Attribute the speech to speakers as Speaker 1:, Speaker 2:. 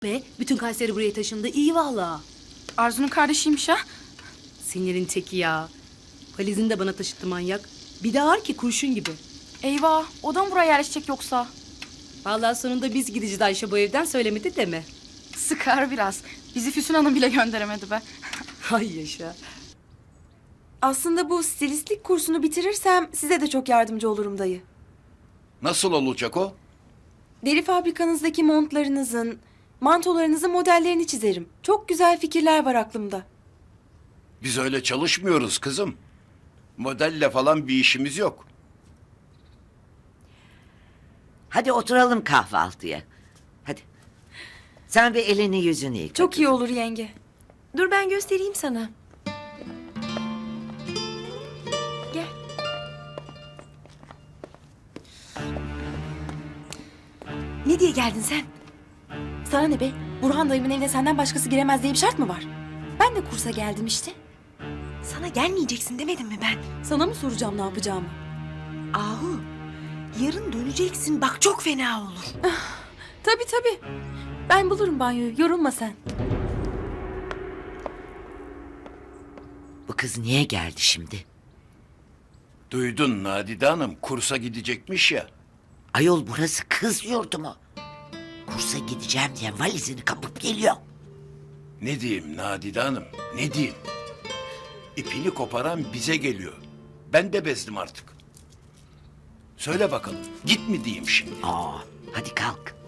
Speaker 1: Be, bütün Kayseri buraya taşındı. İyi valla.
Speaker 2: Arzu'nun kardeşiymiş ha.
Speaker 1: Sinirin teki ya. Valizini de bana taşıttı manyak. Bir de ağır ki kurşun gibi.
Speaker 2: Eyvah, o da mı buraya yerleşecek yoksa?
Speaker 1: Vallahi sonunda biz gideceğiz Ayşe bu evden, söylemedi deme.
Speaker 2: Sıkar biraz. Bizi Füsun Hanım bile gönderemedi be.
Speaker 1: Hay yaşa.
Speaker 3: Aslında bu stilistlik kursunu bitirirsem size de çok yardımcı olurum dayı.
Speaker 4: Nasıl olacak o?
Speaker 3: Deri fabrikanızdaki montlarınızın, mantolarınızın modellerini çizerim. Çok güzel fikirler var aklımda.
Speaker 4: Biz öyle çalışmıyoruz kızım. Modelle falan bir işimiz yok.
Speaker 5: Hadi oturalım kahvaltıya. Hadi. Sen bir elini yüzünü yıka.
Speaker 3: Çok iyi olur yenge.
Speaker 6: Dur ben göstereyim sana. Gel.
Speaker 3: Ne diye geldin sen? Sana ne be? Burhan dayımın evine senden başkası giremez diye bir şart mı var? Ben de kursa geldim işte.
Speaker 6: Sana gelmeyeceksin demedim mi ben?
Speaker 3: Sana mı soracağım ne yapacağımı?
Speaker 6: Ahu, yarın döneceksin. Bak çok fena olur.
Speaker 3: Tabii tabii. Ben bulurum banyoyu. Yorulma sen.
Speaker 5: Bu kız niye geldi şimdi?
Speaker 4: Duydun Nadide Hanım, kursa gidecekmiş ya.
Speaker 5: Ayol burası kız yurdu mu? Kursa gideceğim diye valizini kapıp geliyor.
Speaker 4: Ne diyeyim Nadide Hanım, ne diyeyim? İpini koparan bize geliyor. Ben de bezdim artık. Söyle bakalım, git mi diyeyim şimdi?
Speaker 5: Aa, hadi kalk.